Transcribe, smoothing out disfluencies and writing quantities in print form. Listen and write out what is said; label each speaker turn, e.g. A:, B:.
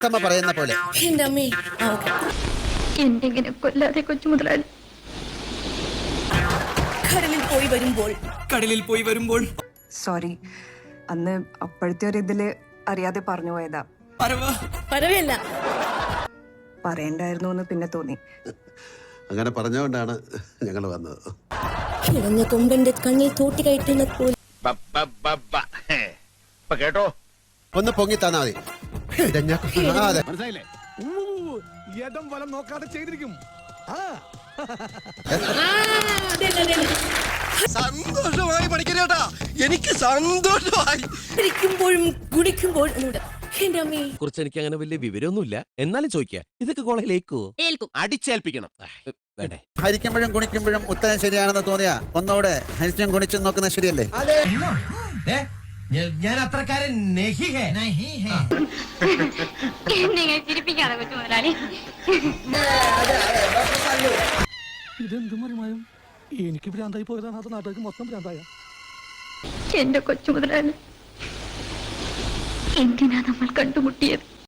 A: അമ്മ പറയുന്ന പോലെ.
B: എന്റെ അമ്മേ.
C: എന്തെങ്കിലും കൊല്ലാതെ കൊച്ചു മുതലാളി.
B: കടലിൽ പോയി വരുമ്പോൾ
D: സോറി, അന്ന് അപ്പോഴത്തെ ഒരു ഇതില് അറിയാതെ പറഞ്ഞു പോയതാ.
B: പരവല്ല
D: പറയണ്ടായിരുന്നു എന്ന് പിന്നെ തോന്നി.
A: അങ്ങനെ പറഞ്ഞുകൊണ്ടാണ് ഞങ്ങൾ വന്നത്.
B: കിടന്ന കൊമ്പന്റെ കണ്ണിൽ തോട്ടി കയറ്റുന്ന പോലെ.
E: കേട്ടോ,
A: ഒന്ന് പൊങ്ങി തന്നാ മതി. അതെ,
E: മനസ്സിലായില്ലേ? ഇടം വലം നോക്കാതെ ചെയ്തിരിക്കും.
F: സന്തോഷമായി പഠിക്കണേട്ടാ, എനിക്ക് സന്തോഷമായി.
B: ഇരിക്കുമ്പോഴും കുടിക്കുമ്പോഴും എന്റെ അമ്മേ.
G: കുറിച്ച് എനിക്ക് അങ്ങനെ വലിയ വിവരമൊന്നുമില്ല, എന്നാലും ചോദിക്കാം, ഇതൊക്കെ കോളേജിലേക്കോ? അടിച്ചേൽപ്പിക്കണം. വേണ്ടേ?
A: ഹരിക്കുമ്പോഴും കുണിക്കുമ്പോഴും ഉത്തരം ശരിയാണെന്ന് തോന്നിയാ ഒന്നോടെ ഹരിച്ചും കുണിച്ചും നോക്കുന്നത് ശരിയല്ലേ?
F: ഞാൻ അത്രക്കാരൻ
C: നിങ്ങൾ ചിരിപ്പിക്കാതെ കൊച്ചു മുതലാളി.
E: ഇതെന്ത് മറിമായും എനിക്ക് ഭ്രാന്തായി പോയതാണ്, അത് നാട്ടുകാർക്ക് മൊത്തം ഭ്രാന്തായ.
C: എന്റെ കൊച്ചു മുതലാളി, എന്തിനാ നമ്മൾ കണ്ടുമുട്ടിയത്?